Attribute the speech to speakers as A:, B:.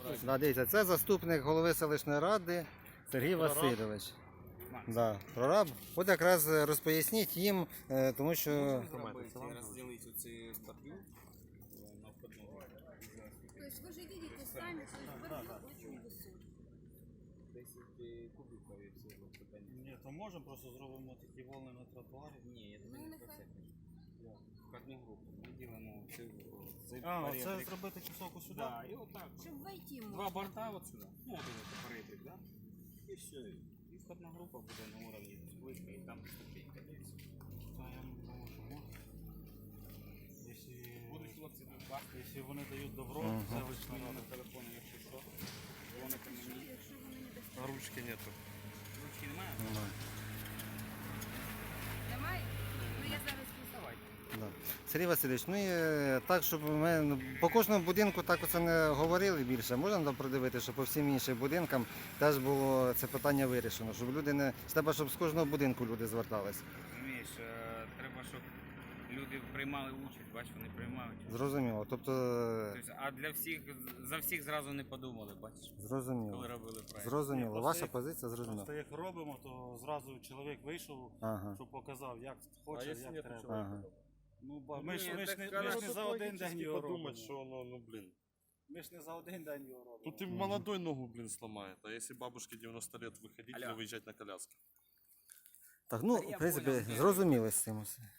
A: Да, дивіться, це заступник голови селищної ради Сергій Васильович. Да, прораб. От якраз розпоясніть їм, тому що...
B: Розділити оці бордюр на входному.
C: Тобто ви ж бачите самі, що бордюр дуже високий.
B: 10 кубиків і все питання.
D: Ні, то можемо просто зробимо такі волни на тротуарі.
B: Ні, я думаю, не про це. Входну групу. Ми ділимо цей
D: А,
B: поребрик.
D: оце зробити кусок сюди?
B: Да, і отак.
C: Щоб войти можна.
B: Два борта от сюди. Ну, один это поребрик, да? І все. І входна група буде на уровні списка, і там ступенька десь.
D: Та я не думаю, що можна.
B: Будуть хлопці на бак.
D: Якщо вони дають добро, це лише
B: На телефоні, якщо що, дзвоните мені.
C: Якщо вони не достатньо.
E: А ручки нету.
B: Ручки немає?
C: Немає? Ну я зараз писала.
A: Да. Сергій Васильович, ну і так, щоб ми по кожному будинку так оце не говорили більше, можна нам продивити, щоб по всім іншим будинкам теж було це питання вирішено, щоб люди не... Треба, щоб з кожного будинку люди звертались.
B: Розумієш, треба, щоб люди приймали участь, бач, вони приймають.
A: Зрозуміло, тобто...
B: Тобто, а для всіх, за всіх зразу не подумали, бачиш, коли
A: Зрозуміло.
B: робили проєкт.
A: Зрозуміло.
D: Ні,
A: Ваша
D: просто
A: позиція зрозуміла.
D: Просто як робимо, то зразу чоловік вийшов,
A: Ага.
D: щоб показав, як
E: А
D: хоче,
E: якщо
D: як
E: нету
D: треба.
E: человека?
A: Ага.
D: Ну, ба-
B: Ну,
D: ми ж
B: ні,
D: ми ж
B: так
D: не
B: вона
D: за один день його робимо.
E: подумать, что оно, ну блин.
D: Ми ж не за один день його робимо.
E: Тут и молодой ногу, блин, сломает. А если бабушке 90 лет выходить
B: Алло.
E: или выезжать на коляске?
A: Так, ну, в принципі, зрозуміли з цим усе.